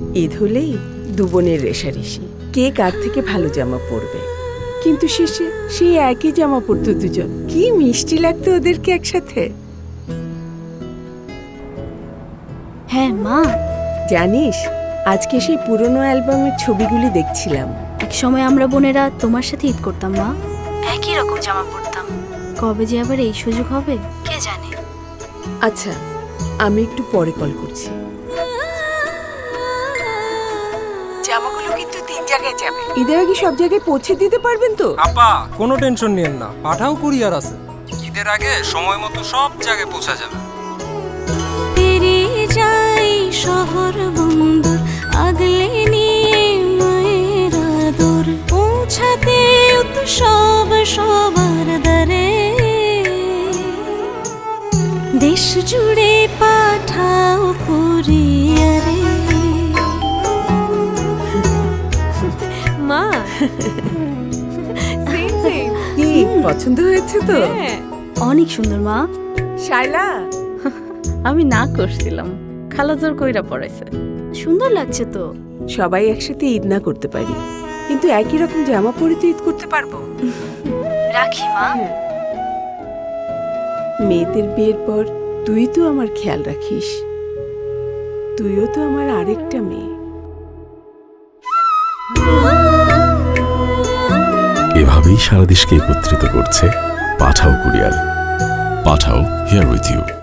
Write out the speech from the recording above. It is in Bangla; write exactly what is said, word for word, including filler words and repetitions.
ঈদ হলেই দু বোনের রেশারেশি, কে কার থেকে ভালো জামা পরবে। কিন্তু শেষে সেই একই জামা পরতো দুজন। কি মিষ্টি লাগতো ওদেরকে একসাথে। হ্যাঁ মা, জানিস আজকে সেই পুরনো অ্যালবামের ছবিগুলি দেখছিলাম। এক সময় আমরা বোনেরা তোমার সাথে ঈদ করতাম মা, একই রকম জামা পরতাম। কবে যে আবার এই সুযোগ হবে কে জানে। আচ্ছা, আমি একটু পরে কল করছি। জামাগুলো কিন্তু তিন জায়গায় যাবে। ঈদের আগে সব জায়গায় পৌঁছে দিতে পারবেন তো? আপা কোনো টেনশন নিয়েন না, পাঠাও কুরিয়ার আছে। ঈদের আগে সময় মতো সব জায়গায় পৌঁছা যাবে। পেরিয়ে যাই শহর বন্দর, আগলে নিয়ে মায়ের আদর, পৌঁছাতে তো সব সবার দ্বারে। দেশ জুড়ে পাঠাও কুরিয়ারে। মা কি পছন্দ হয়েছে তো? অনেক সুন্দর মা। শায়লা, আমি না করছিলাম, খালা জোর কইরা পড়াইছে। সুন্দর লাগছে তো। সবাই একসাথে ঈদ না করতে পারি, কিন্তু একই রকম জামা পরে তো ঈদ করতে পারবো। রাখি মা। মেয়েদের বিয়ের পর তুই তো আমার খেয়াল রাখিস, তুইও তো আমার আরেকটা মেয়ে। এভাবেই সারা দেশকে একত্রিত করছে Pathao courier. Pathao here with you.